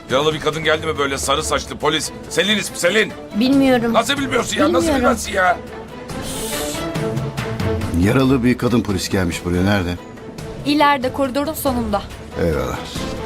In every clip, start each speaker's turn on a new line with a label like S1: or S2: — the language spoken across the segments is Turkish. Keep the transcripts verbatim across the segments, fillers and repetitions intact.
S1: Yaralı bir kadın geldi mi böyle sarı saçlı polis? Selin ismi Selin.
S2: Bilmiyorum.
S1: Nasıl bilmiyorsun ya? Nasıl
S2: Bilmiyorum.
S1: bilmezsin ya?
S3: Yaralı bir kadın polis gelmiş buraya. Nerede?
S4: İleride koridorun sonunda.
S3: Eyvallah.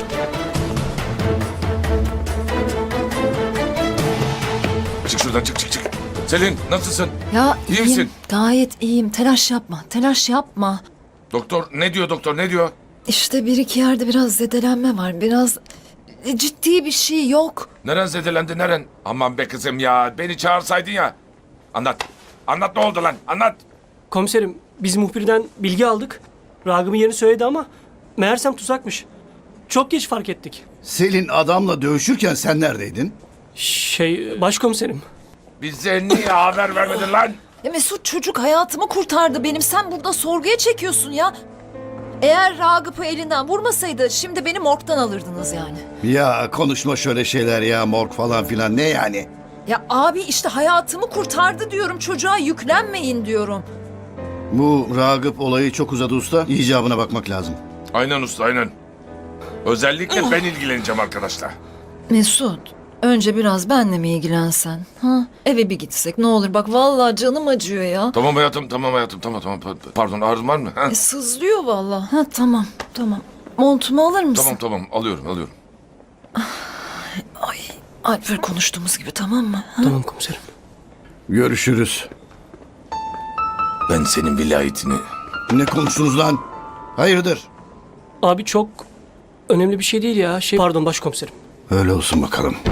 S1: Çık şuradan çık çık çık. Selin nasılsın?
S5: Ya
S1: İyi
S5: iyiyim,
S1: misin?
S5: gayet iyiyim. Telaş yapma, telaş yapma.
S1: Doktor ne diyor doktor ne diyor?
S5: İşte bir iki yerde biraz zedelenme var. Biraz e, ciddi bir şey yok.
S1: Neren zedelendi neren? Aman be kızım ya beni çağırsaydın ya. Anlat. Anlat ne oldu lan anlat.
S6: Komiserim, biz muhbirden bilgi aldık. Ragıp'ın yerini söyledi ama meğersem tuzakmış. Çok geç fark ettik.
S3: Selin adamla dövüşürken sen neredeydin?
S6: Şey, başkomiserim.
S1: Bize niye haber vermedin lan?
S5: Ya Mesut, çocuk hayatımı kurtardı benim. Sen burada sorguya çekiyorsun ya. Eğer Ragıp'ı elinden vurmasaydı şimdi beni morgdan alırdınız yani.
S3: Ya konuşma şöyle şeyler ya, morg falan filan, ne yani?
S5: Ya abi işte hayatımı kurtardı diyorum. Çocuğa yüklenmeyin diyorum.
S3: Bu Ragıp olayı çok uzadı usta. İcabına bakmak lazım.
S1: Aynen usta aynen. Özellikle ben ilgileneceğim arkadaşlar.
S5: Mesut, önce biraz benle mi ilgilensen? Ha? Eve bir gitsek ne olur, bak vallahi canım acıyor ya.
S1: Tamam hayatım tamam hayatım tamam tamam. Pardon ağrın var mı? Ha?
S5: E, sızlıyor vallahi. Ha tamam, tamam. Montumu alır mısın?
S1: Tamam tamam alıyorum alıyorum.
S5: Ay, Alper konuştuğumuz gibi, tamam mı? Ha?
S6: Tamam komiserim.
S3: Görüşürüz.
S1: Ben senin vilayetini...
S3: Ne konuştunuz lan? Hayırdır?
S6: Abi çok önemli bir şey değil ya. Şey, pardon başkomiserim.
S3: Öyle olsun bakalım.